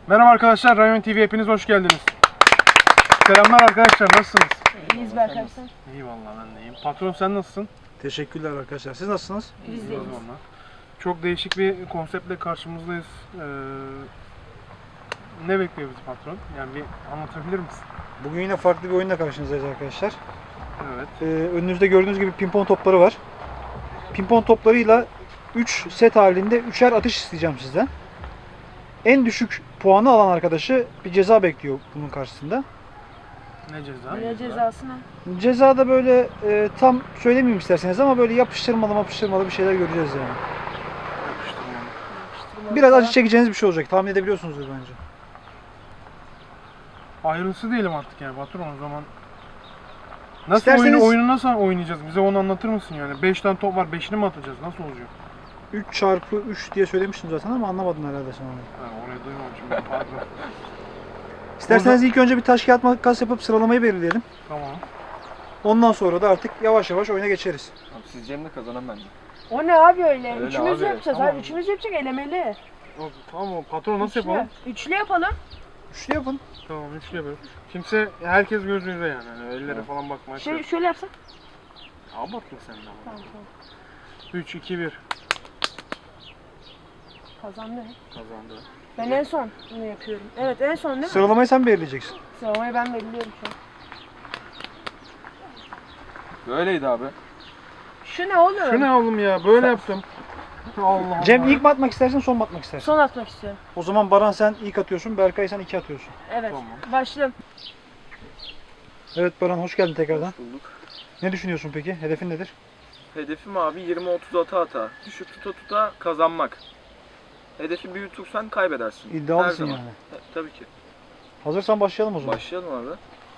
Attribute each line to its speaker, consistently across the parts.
Speaker 1: Merhaba arkadaşlar, Rayon TV hepiniz hoş geldiniz. Selamlar arkadaşlar, nasılsınız?
Speaker 2: İyiyiz be arkadaşlar.
Speaker 1: İyi vallahi ben de iyiyim. Patron sen nasılsın?
Speaker 3: Teşekkürler arkadaşlar. Siz nasılsınız?
Speaker 2: Biz de iyiyiz.
Speaker 1: Vallahi. Çok değişik bir konseptle karşımızdayız. Ne bekliyor bizi patron? Yani bir anlatabilir misin?
Speaker 3: Bugün yine farklı bir oyunla karşınızdayız arkadaşlar.
Speaker 1: Evet.
Speaker 3: Önünüzde gördüğünüz gibi pimpon topları var. Pimpon toplarıyla 3 set halinde 3'er atış isteyeceğim sizden. En düşük puanı alan arkadaşı bir ceza bekliyor bunun karşısında.
Speaker 1: Ne ceza?
Speaker 2: Ne cezası ne?
Speaker 3: Ceza da böyle tam söylemeyeyim isterseniz ama böyle yapıştırmalı bir şeyler göreceğiz yani.
Speaker 1: Yapıştırmalı.
Speaker 3: Biraz acı çekeceğiniz bir şey olacak. Tahmin edebiliyorsunuzdur bence.
Speaker 1: Ayrıntısı değilim artık yani patron o zaman. Nasıl
Speaker 3: İsterseniz-
Speaker 1: oyunu nasıl oynayacağız? Bize onu anlatır mısın yani? 5 tane top var, 5'ini mi atacağız? Nasıl olacak?
Speaker 3: 3 çarpı 3 diye söylemiştim zaten ama anlamadın herhalde sen onu.
Speaker 1: Ha, orayı duymamışım ben, pardon.
Speaker 3: İsterseniz ilk önce bir taş kağıt makas yapıp sıralamayı belirleyelim.
Speaker 1: Tamam.
Speaker 3: Ondan sonra da artık yavaş yavaş oyuna geçeriz.
Speaker 4: Abi siz Cem'le kazanan bence.
Speaker 2: O ne abi öyle?
Speaker 4: Öyle
Speaker 2: Üçümüz
Speaker 4: abi,
Speaker 2: yapacağız
Speaker 1: tamam.
Speaker 2: abi. Üçümüz yapacak elemeli.
Speaker 1: Tamam o patron nasıl
Speaker 2: Üçlü.
Speaker 1: yapalım?
Speaker 2: Üçlü yapalım.
Speaker 3: Üçlü yapın.
Speaker 1: Tamam üçlü yapalım. Kimse, herkes göz yüze yani. Hani ellere
Speaker 4: Evet.
Speaker 1: falan bakmaya
Speaker 2: Şöyle yapsak.
Speaker 1: Abartma sen de ama.
Speaker 2: Tamam tamam.
Speaker 1: 3, 2, 1.
Speaker 2: Kazandı.
Speaker 1: Kazandı.
Speaker 2: Ben en son bunu yapıyorum. Evet en son değil mi?
Speaker 3: Sıralamayı sen belirleyeceksin.
Speaker 2: Sıralamayı ben belirliyorum şu an.
Speaker 4: Böyleydi abi.
Speaker 2: Şu ne oğlum?
Speaker 1: Şu ne oğlum ya? Böyle yaptım. Allah Allah.
Speaker 3: Cem ilk mi atmak istersin, son mu atmak istersin?
Speaker 2: Son atmak istiyorum.
Speaker 3: O zaman Baran sen ilk atıyorsun, Berkay sen 2 atıyorsun.
Speaker 2: Evet.
Speaker 1: Tamam.
Speaker 2: Başlayalım.
Speaker 3: Evet Baran hoş geldin tekrardan.
Speaker 4: Bulduk.
Speaker 3: Ne düşünüyorsun peki? Hedefin nedir?
Speaker 4: Hedefim abi 20-30 ata. Düşük tuta kazanmak. Hedefi büyütürsen kaybedersin.
Speaker 3: İddialısın
Speaker 4: Her zaman.
Speaker 3: yani.
Speaker 4: Tabii ki.
Speaker 3: Hazırsan başlayalım o zaman.
Speaker 4: Başlayalım abi.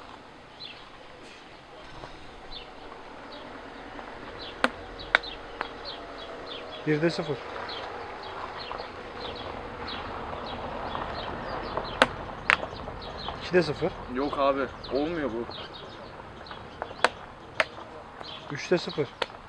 Speaker 3: Birde 0. İkide 0.
Speaker 4: Yok abi. Olmuyor bu.
Speaker 3: 3'te 0.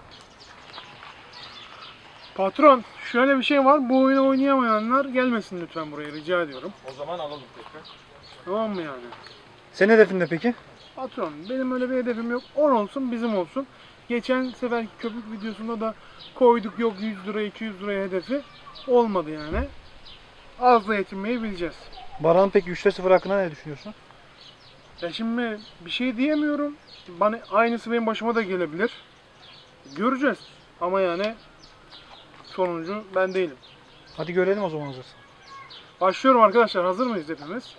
Speaker 1: Patron, şöyle bir şey var. Bu oyunu oynayamayanlar gelmesin lütfen buraya, rica ediyorum.
Speaker 4: O zaman alalım tekrar.
Speaker 1: Tamam mı yani?
Speaker 3: Senin hedefin ne peki?
Speaker 1: Patron, benim öyle bir hedefim yok. 10 olsun, bizim olsun. Geçen sefer köpük videosunda da koyduk, yok 100 lira, 200 liraya hedefi. Olmadı yani. Azla yetinmeyi bileceğiz.
Speaker 3: Baran'ın peki 3'te 0 hakkında ne düşünüyorsun?
Speaker 1: Ya şimdi bir şey diyemiyorum. Bana aynısı benim başıma da gelebilir. Göreceğiz. Ama yani sonuncu ben değilim.
Speaker 3: Hadi görelim o zaman hazırsan.
Speaker 1: Başlıyorum arkadaşlar. Hazır mıyız hepimiz?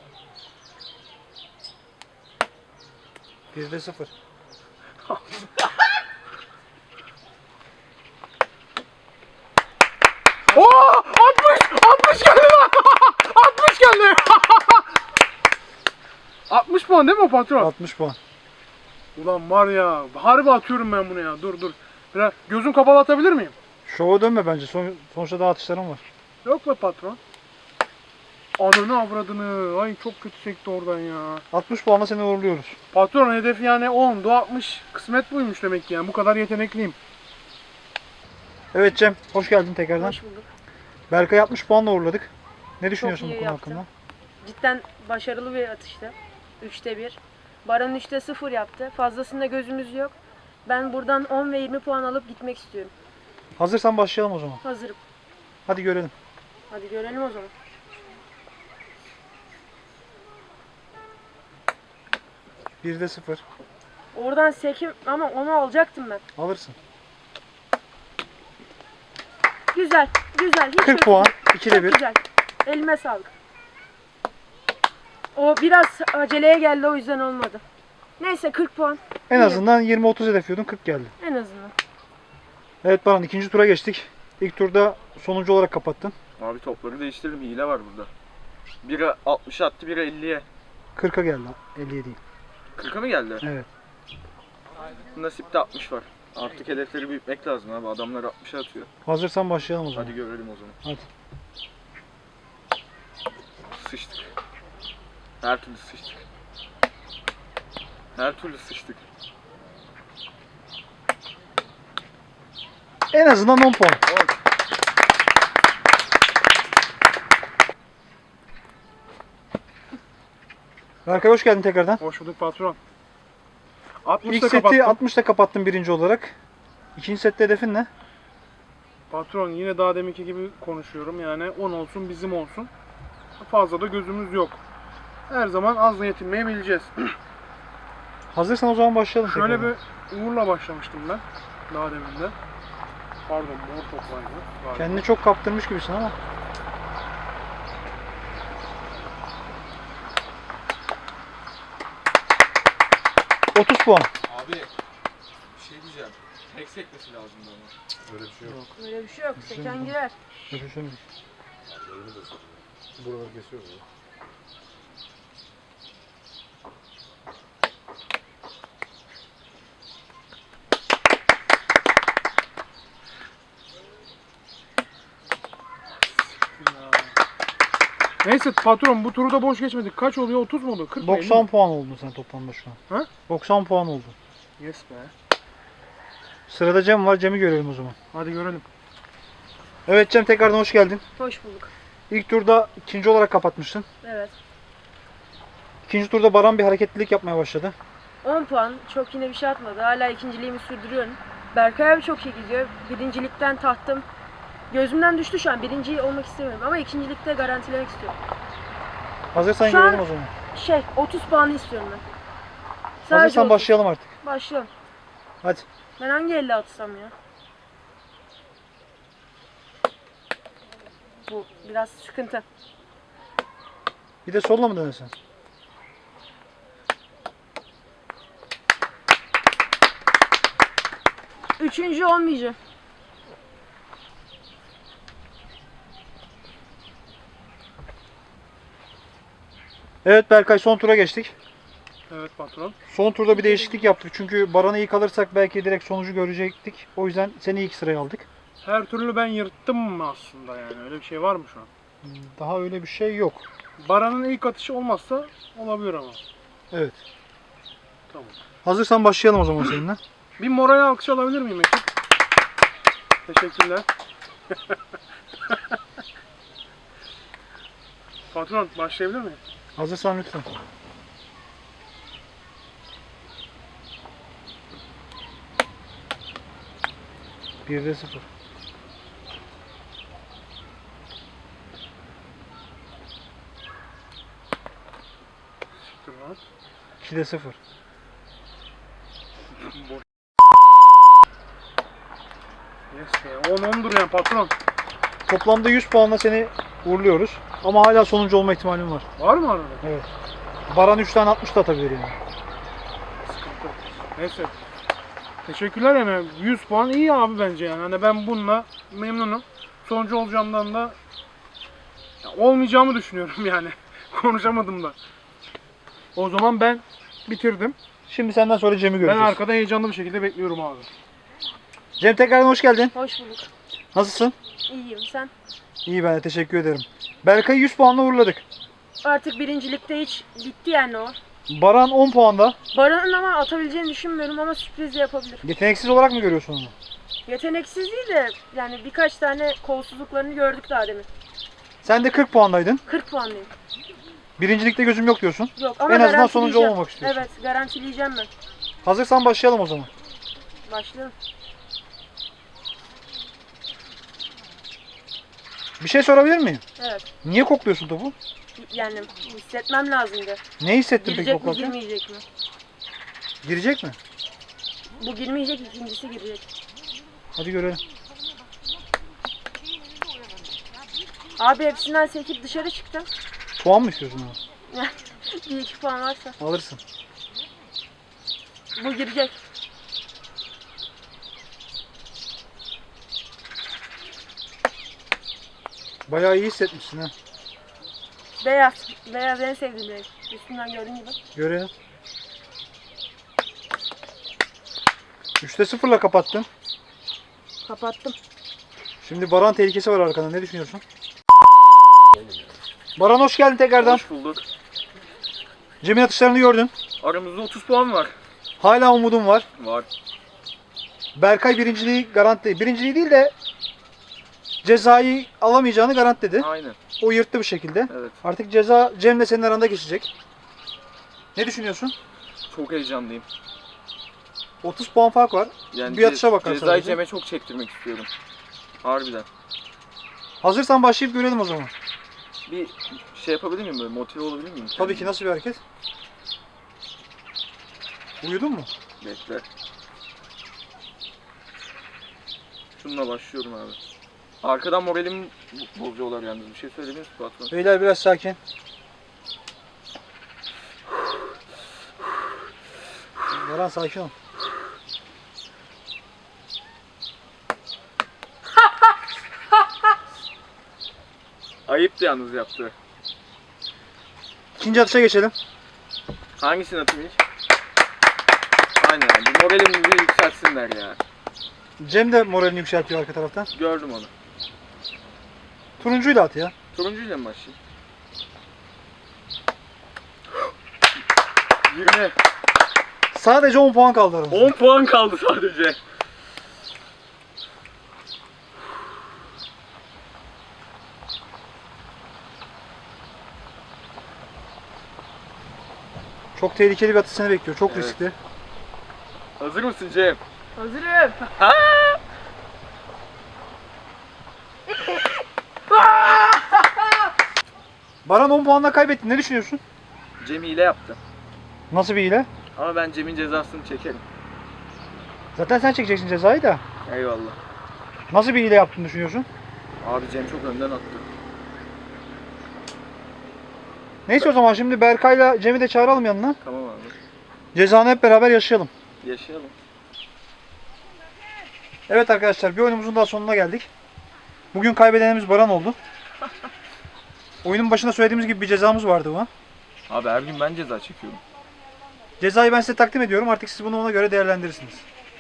Speaker 3: 1'de 0.
Speaker 1: Oo! 60 geldi lan! 60 geldi! 60 puan değil mi o patron?
Speaker 3: 60 puan.
Speaker 1: Ulan var ya, harbi atıyorum ben bunu ya. Dur. Biraz gözüm kapalı atabilir miyim?
Speaker 3: Şova dönme bence. Sonuçta daha atışlarım var.
Speaker 1: Yok be patron. Ananı avradını. Ay çok kötü sekti oradan ya.
Speaker 3: 60 puanla seni uğurluyoruz.
Speaker 1: Patron hedefi yani 10, 60. Kısmet buymuş demek ki yani. Bu kadar yetenekliyim.
Speaker 3: Evet Cem, hoş geldin tekrardan.
Speaker 2: Hoş bulduk.
Speaker 3: Berkay 60 puanla uğurladık. Ne düşünüyorsun
Speaker 2: iyi
Speaker 3: bu konu
Speaker 2: yaptın.
Speaker 3: hakkında?
Speaker 2: Cidden başarılı bir atıştı. 3'te 1. Baran 3'te 0 yaptı. Fazlasında gözümüz yok. Ben buradan 10 ve 20 puan alıp gitmek istiyorum.
Speaker 3: Hazırsan başlayalım o zaman.
Speaker 2: Hazırım.
Speaker 3: Hadi görelim.
Speaker 2: Hadi görelim o zaman.
Speaker 3: Birde 0.
Speaker 2: Oradan sekim ama onu alacaktım ben.
Speaker 3: Alırsın.
Speaker 2: Güzel. Hiç
Speaker 3: 40
Speaker 2: kötü
Speaker 3: puan.
Speaker 2: değil.
Speaker 3: 2'de
Speaker 2: Çok
Speaker 3: 1.
Speaker 2: güzel. Elime sağlık. O biraz aceleye geldi o yüzden olmadı. Neyse 40 puan.
Speaker 3: En
Speaker 2: İyi.
Speaker 3: azından 20-30 hedefliyordun, 40 geldi.
Speaker 2: En azından.
Speaker 3: Evet Baran, ikinci tura geçtik. İlk turda sonuncu olarak kapattın.
Speaker 4: Abi topları değiştirelim. Hile var burada. Biri 60 attı, biri 50'ye.
Speaker 3: 40'a geldi. 50'ye değil.
Speaker 4: 40'a mı geldi?
Speaker 3: Evet.
Speaker 4: Nasipte 60 var. Artık hedefleri büyütmek lazım abi. Adamlar 60'a atıyor.
Speaker 3: Hazırsan başlayalım o zaman.
Speaker 4: Hadi görelim o zaman.
Speaker 3: Hadi.
Speaker 4: Sıçtık. Her türlü sıçtık. Her türlü sıçtık.
Speaker 3: En azından 10 puan.
Speaker 4: Oğlum,
Speaker 3: Berkay hoş geldin tekrardan.
Speaker 1: Hoş bulduk patron.
Speaker 3: İlk
Speaker 1: 60'ta
Speaker 3: seti
Speaker 1: kapattım.
Speaker 3: 60'ta kapattın birinci olarak. İkinci sette hedefin ne?
Speaker 1: Patron yine daha deminki gibi konuşuyorum yani 10 olsun bizim olsun. Fazla da gözümüz yok. Her zaman azla yetinmeyi bileceğiz.
Speaker 3: Hazırsan o zaman başlayalım
Speaker 1: Şöyle
Speaker 3: tekrardan.
Speaker 1: bir uğurla başlamıştım ben daha demin de. Pardon mor toplaydı. galiba.
Speaker 3: Kendini çok kaptırmış gibisin ama. ...30 puan.
Speaker 4: Abi bir şey diyeceğim. Tek sekmesi lazımdı ama.
Speaker 5: Öyle bir şey yok.
Speaker 2: Öyle bir şey yok. Seken girer.
Speaker 3: Görüşürüz.
Speaker 5: Yerlerini de soruyor. Buraları kesiyoruz ya.
Speaker 1: Neyse patron bu turu da boş geçmedik. Kaç oluyor? 30 mu oldu? 40 mı?
Speaker 3: 90 puan oldun sen toplamda şu an.
Speaker 1: Ha?
Speaker 3: 90 puan oldun.
Speaker 1: Yes be.
Speaker 3: Sırada Cem var. Cem'i görelim o zaman.
Speaker 1: Hadi görelim.
Speaker 3: Evet Cem tekrardan hoş geldin.
Speaker 2: Hoş bulduk.
Speaker 3: İlk turda ikinci olarak kapatmıştın.
Speaker 2: Evet.
Speaker 3: İkinci turda Baran bir hareketlilik yapmaya başladı.
Speaker 2: 10 puan. Çok yine bir şey atmadı. Hala ikinciliğimi sürdürüyorum. Berkay abi çok iyi gidiyor. Birincilikten tahtım gözümden düştü şu an. Birinci olmak istemiyorum ama ikincilikte garantilemek istiyorum.
Speaker 3: Hazırsan
Speaker 2: Şu an-
Speaker 3: görelim o zaman.
Speaker 2: 30 puanı istiyorum ben.
Speaker 3: Hazırsan
Speaker 2: 30.
Speaker 3: başlayalım artık.
Speaker 2: Başlayalım.
Speaker 3: Hadi.
Speaker 2: Ben hangi elle atsam ya? Bu biraz sıkıntı.
Speaker 3: Bir de solla mı denesen?
Speaker 2: Üçüncü olmayacak.
Speaker 3: Evet Berkay son tura geçtik.
Speaker 1: Evet patron.
Speaker 3: Son turda bir değişiklik yaptık. Çünkü Baran'ı iyi kalırsak belki direkt sonucu görecektik. O yüzden seni ilk sıraya aldık.
Speaker 1: Her türlü ben yırttım mı aslında yani? Öyle bir şey var mı şu an?
Speaker 3: Daha öyle bir şey yok.
Speaker 1: Baran'ın ilk atışı olmazsa olabilir ama.
Speaker 3: Evet.
Speaker 1: Tamam.
Speaker 3: Hazırsan başlayalım o zaman seninle.
Speaker 1: Bir moral alkış alabilir miyim ekip? Teşekkürler. Patron başlayabilir miyim?
Speaker 3: Hazırsan lütfen. Birde 0.
Speaker 1: Siktir lan.
Speaker 3: 2'de 0.
Speaker 1: Boş. Yes be. 10-10'dur yani patron.
Speaker 3: Toplamda 100 puanla seni uğurluyoruz. Ama hala sonuncu olma ihtimalin var.
Speaker 1: Var mı arada?
Speaker 3: Evet. Baran 3 tane 60 da atabilir yani.
Speaker 1: Sıkıntı. Neyse. Teşekkürler yani. 100 puan iyi abi bence yani. Hani ben bununla memnunum. Sonucu olacağımdan da ya olmayacağımı düşünüyorum yani. Konuşamadım da. O zaman ben bitirdim.
Speaker 3: Şimdi senden sonra Cem'i
Speaker 1: Ben
Speaker 3: göreceğiz.
Speaker 1: arkada heyecanlı bir şekilde bekliyorum abi.
Speaker 3: Cem tekrardan hoş geldin.
Speaker 2: Hoş bulduk.
Speaker 3: Nasılsın?
Speaker 2: İyiyim sen?
Speaker 3: İyi ben de teşekkür ederim. Berkay'ı 100 puanla uğurladık.
Speaker 2: Artık birincilikte hiç bitti yani o.
Speaker 3: Baran 10 puanda.
Speaker 2: Baran'ın ama atabileceğini düşünmüyorum ama sürpriz de yapabilir.
Speaker 3: Yeteneksiz olarak mı görüyorsun onu?
Speaker 2: Yeteneksiz değil de yani birkaç tane kolsuzluklarını gördük daha demin.
Speaker 3: Sen de 40 puandaydın.
Speaker 2: 40 puanlıyım.
Speaker 3: Birincilikte gözüm yok diyorsun.
Speaker 2: Yok ama
Speaker 3: En azından sonucu
Speaker 2: garantileyeceğim.
Speaker 3: olmamak istiyorsun.
Speaker 2: Evet garantileyeceğim ben.
Speaker 3: Hazırsan başlayalım o zaman.
Speaker 2: Başlayalım.
Speaker 3: Bir şey sorabilir miyim?
Speaker 2: Evet.
Speaker 3: Niye kokluyorsun topu?
Speaker 2: Yani hissetmem lazımdı.
Speaker 3: Ne hissettin peki
Speaker 2: Girecek mi
Speaker 3: koklarken?
Speaker 2: girmeyecek mi?
Speaker 3: Girecek mi?
Speaker 2: Bu girmeyecek, ikincisi girecek.
Speaker 3: Hadi görelim.
Speaker 2: Abi hepsinden sekip dışarı çıktım.
Speaker 3: Puan mı istiyorsun ona?
Speaker 2: Bir iki puan varsa.
Speaker 3: Alırsın.
Speaker 2: Bu girecek.
Speaker 3: Bayağı iyi hissetmişsin ha.
Speaker 2: Beyaz. Beyaz en sevdiğim renk. Üstünden gördüğün gibi.
Speaker 3: Görelim. 3'te 0'la kapattın.
Speaker 2: Kapattım.
Speaker 3: Şimdi Baran tehlikesi var arkanda. Ne düşünüyorsun? Baran hoş geldin tekrardan.
Speaker 4: Hoş bulduk.
Speaker 3: Cem'in atışlarını gördün.
Speaker 4: Aramızda 30 puan var.
Speaker 3: Hala umudun var.
Speaker 4: Var.
Speaker 3: Berkay birinciliği garanti. Birinciliği değil de cezayı alamayacağını garantiledi.
Speaker 4: Aynen.
Speaker 3: O yırttı bir şekilde.
Speaker 4: Evet.
Speaker 3: Artık ceza Cem'le senin aranda geçecek. Ne düşünüyorsun?
Speaker 4: Çok heyecanlıyım.
Speaker 3: 30 puan fark var.
Speaker 4: Yani
Speaker 3: Bir atışa bakalım
Speaker 4: Cezayı
Speaker 3: sadece.
Speaker 4: Cem'e çok çektirmek istiyorum. Harbiden.
Speaker 3: Hazırsan başlayıp görelim o zaman.
Speaker 4: Bir şey yapabilir miyim böyle? Motive olabilir miyim?
Speaker 3: Tabii ki, nasıl bir hareket? Uyudun mu?
Speaker 4: Bekle. Şununla başlıyorum abi. Arkadan moralimi bozuyorlar yalnız. Bir şey söylediniz mi patron?
Speaker 3: Beyler biraz sakin. Baran sakin ol.
Speaker 4: Ayıptı yalnız yaptı.
Speaker 3: İkinci atışa geçelim.
Speaker 4: Hangisini atayım ilk? Aynen abi. Moralimi bir yükseltsinler ya.
Speaker 3: Cem de moralini yükseltiyor arka taraftan.
Speaker 4: Gördüm onu.
Speaker 3: Turuncuyla at ya.
Speaker 4: Turuncuyla mı başlayayım? 20.
Speaker 3: Sadece 10 puan kaldı aramızda.
Speaker 4: 10 puan kaldı sadece.
Speaker 3: Çok tehlikeli bir atış seni bekliyor. Çok
Speaker 4: Evet.
Speaker 3: riskli.
Speaker 4: Hazır mısın Cem?
Speaker 2: Hazırım.
Speaker 3: Baran 10 puanla kaybettin. Ne düşünüyorsun?
Speaker 4: Cem hile yaptı.
Speaker 3: Nasıl bir hile?
Speaker 4: Ama ben Cem'in cezasını çekerim.
Speaker 3: Zaten sen çekeceksin cezayı da.
Speaker 4: Eyvallah.
Speaker 3: Nasıl bir hile yaptığını düşünüyorsun?
Speaker 4: Abi Cem çok önden attı.
Speaker 3: Neyse o zaman şimdi Berkay'la Cem'i de çağıralım yanına.
Speaker 4: Tamam abi.
Speaker 3: Cezanı hep beraber yaşayalım.
Speaker 4: Yaşayalım.
Speaker 3: Evet arkadaşlar, bir oyunumuzun daha sonuna geldik. Bugün kaybedenimiz Baran oldu. Oyunun başında söylediğimiz gibi bir cezamız vardı bu.
Speaker 4: Abi her gün ben ceza çekiyorum.
Speaker 3: Cezayı ben size takdim ediyorum. Artık siz bunu ona göre değerlendirirsiniz.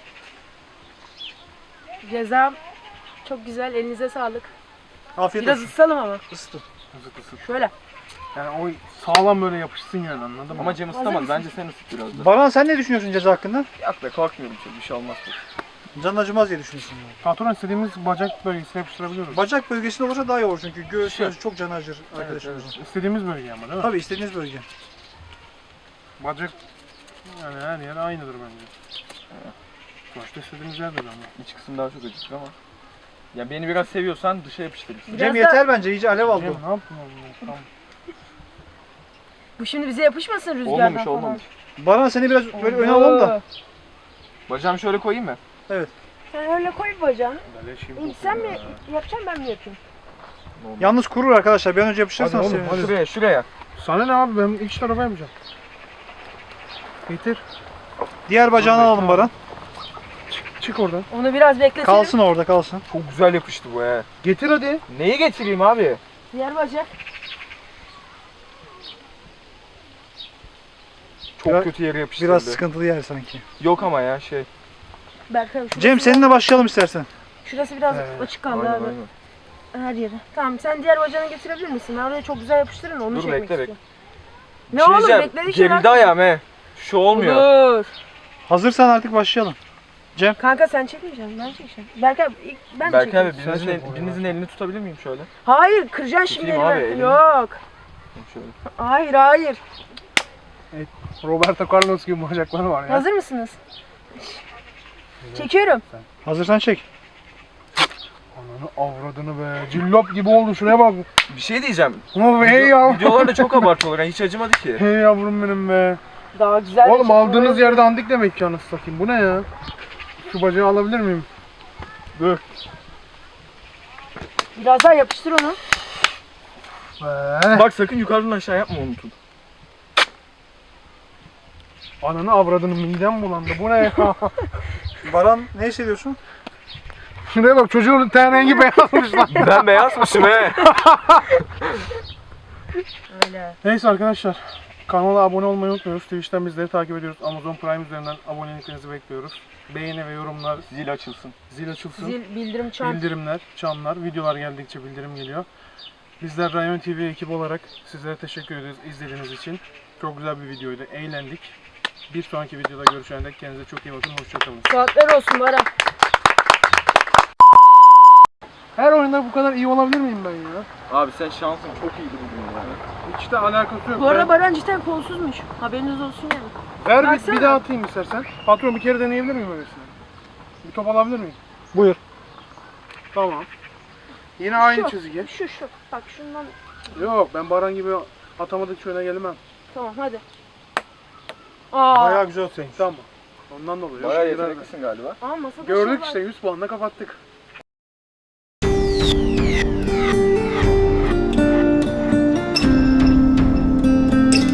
Speaker 2: Cezam çok güzel. Elinize sağlık.
Speaker 3: Afiyet
Speaker 2: Biraz
Speaker 3: olsun.
Speaker 2: ısalım ama.
Speaker 3: Isıtın.
Speaker 2: Şöyle.
Speaker 1: Yani o sağlam böyle yapışsın yani, anladın mı?
Speaker 4: Ama Cem ısıtamaz. Bence sen ısıt biraz da.
Speaker 3: Baran sen ne düşünüyorsun ceza hakkında?
Speaker 4: Yok be korkmuyorum çok. Bir şey olmaz.
Speaker 3: Can acımaz diye düşünüyorsun. Yani.
Speaker 1: Patron, istediğimiz bacak bölgesine yapıştırabiliyoruz.
Speaker 3: Bacak bölgesinde olursa daha iyi olur çünkü göğüs
Speaker 1: Şey.
Speaker 3: çok can acır arkadaşımızın.
Speaker 1: İstediğimiz bölge ama değil mi?
Speaker 3: Tabii istediğiniz bölge.
Speaker 1: Bacak yani her yer aynıdır bence. Sonuçta istediğimiz yerdir ama.
Speaker 4: İç kısım daha çok acıtır ama. Ya beni biraz seviyorsan dışa yapıştırırsın.
Speaker 2: Biraz
Speaker 3: Cem
Speaker 2: da-
Speaker 3: yeter bence, iyice alev aldı.
Speaker 1: Cem ne yaptın oğlum? Tamam.
Speaker 2: Bu şimdi bize yapışmasın rüzgardan
Speaker 4: Olmamış
Speaker 2: falan.
Speaker 4: olmamış.
Speaker 3: Baran seni biraz böyle öne alalım da.
Speaker 4: Bacağımı şöyle koyayım mı?
Speaker 2: Sen öyle koy bacağını.
Speaker 1: Beleşim
Speaker 2: İlk sen mi yapacaksın, ben mi yapayım?
Speaker 3: Yalnız kurur arkadaşlar. Bir an önce yapıştırırsanız
Speaker 1: Hadi oğlum,
Speaker 3: seviniriz.
Speaker 4: Şuraya şuraya.
Speaker 1: Sana ne abi, ben iç tarafa yapacağım. Getir.
Speaker 3: Diğer bacağını alalım Baran.
Speaker 1: Çık oradan.
Speaker 2: Onu biraz bekletelim.
Speaker 3: Kalsın orada, kalsın.
Speaker 4: Çok güzel yapıştı bu he.
Speaker 1: Getir hadi.
Speaker 4: Neyi getireyim abi?
Speaker 2: Diğer bacak.
Speaker 4: Çok
Speaker 3: Biraz-
Speaker 4: kötü yere yapıştırdı.
Speaker 3: Biraz sıkıntılı yer sanki.
Speaker 4: Yok ama ya şey.
Speaker 2: Berkay şurası,
Speaker 3: Cem seninle başlayalım istersen.
Speaker 2: şurası biraz
Speaker 1: Evet.
Speaker 2: açık kaldı
Speaker 4: Aynen
Speaker 2: abi.
Speaker 4: aynen.
Speaker 2: Her yeri. Tamam, sen diğer bacağını getirebilir misin? Ben oraya çok güzel yapıştırın da onu
Speaker 4: Dur,
Speaker 2: çekmek
Speaker 4: bekle,
Speaker 2: istiyorum.
Speaker 4: Bir
Speaker 2: Ne
Speaker 4: şey
Speaker 2: oğlum,
Speaker 4: diyeceğim.
Speaker 2: bekledik
Speaker 4: Gerildi ayağım he. Şu olmuyor.
Speaker 2: Dur.
Speaker 3: Hazırsan artık başlayalım.
Speaker 2: Kanka sen çekmeyeceksin, ben çekeceğim. Berkay ilk ben
Speaker 4: Berkay
Speaker 2: çekeyim.
Speaker 4: abi birinizin elini tutabilir miyim şöyle?
Speaker 2: Hayır, kıracaksın şimdi
Speaker 4: Tutayım abi
Speaker 2: elimi.
Speaker 4: elini.
Speaker 2: Yok.
Speaker 4: Şöyle.
Speaker 2: Hayır, hayır.
Speaker 1: Roberto Carlos gibi bacakları var ya.
Speaker 2: Hazır mısınız? Çekiyorum.
Speaker 3: Hazırsan çek.
Speaker 1: Ananı avradını be. Cillop gibi oldu, şuraya bak.
Speaker 4: Bir şey diyeceğim.
Speaker 1: Ama hey ya.
Speaker 4: Videolarda çok abartıyorlar. Hiç acımadı ki.
Speaker 1: Hey yavrum benim be.
Speaker 2: Daha güzel. bir
Speaker 1: Oğlum
Speaker 2: şey
Speaker 1: aldığınız
Speaker 2: koyuyorum.
Speaker 1: yerde andik demek ki, anasını satayım. Bu ne ya? Şu bacağı alabilir miyim? Dur.
Speaker 2: Biraz daha yapıştır onu.
Speaker 1: Be.
Speaker 4: Bak sakın yukarıdan aşağı yapma unutun.
Speaker 1: Ananı avradını, midem bulandı. Bu ne ya?
Speaker 3: Baran ne hissediyorsun?
Speaker 1: Şuraya bak, çocuğun ten rengi beyazmış lan.
Speaker 4: Ben beyazmışım he.
Speaker 2: Öyle.
Speaker 1: Neyse arkadaşlar. Kanala abone olmayı unutmuyoruz. Twitch'ten bizleri takip ediyoruz. Amazon Prime üzerinden aboneliklerinizi bekliyoruz. Beğeni ve yorumlar,
Speaker 4: Zil açılsın.
Speaker 1: zil açılsın.
Speaker 2: Zil, bildirim, çan.
Speaker 1: Bildirimler, çanlar, videolar geldikçe bildirim geliyor. Bizler Rayon TV ekibi olarak sizlere teşekkür ederiz izlediğiniz için. Çok güzel bir videoydu, eğlendik. Bir sonraki videoda görüşene dek kendinize çok iyi bakın, hoşçakalın.
Speaker 2: Saatler olsun Baran.
Speaker 1: Her oyunda maçta bu kadar iyi olabilir miyim ben ya?
Speaker 4: Abi sen şansın çok iyiydi bugün yani.
Speaker 1: Hiç de alakası yok.
Speaker 2: Bu arada
Speaker 1: Ben-
Speaker 2: Baran cidden kolsuzmuş. Haberiniz olsun yani.
Speaker 1: Ver bir
Speaker 2: Baksana.
Speaker 1: daha atayım istersen. Patron bir kere deneyebilir miyim öylesine? Bir top alabilir miyim?
Speaker 3: Buyur.
Speaker 1: Tamam. Yine aynı
Speaker 2: Şu.
Speaker 1: çizgi.
Speaker 2: Şu. Bak şundan.
Speaker 1: Yok ben Baran gibi atamadık şöyle gelmem.
Speaker 2: Tamam hadi. Aa.
Speaker 5: Bayağı güzel senin.
Speaker 1: Tamam. Ondan dolayı.
Speaker 4: Bayağı
Speaker 1: Biraz-
Speaker 4: yeteneklisin galiba.
Speaker 2: Aa masada
Speaker 1: Gördük
Speaker 2: şey
Speaker 1: işte
Speaker 2: var.
Speaker 1: 100 puanla kapattık.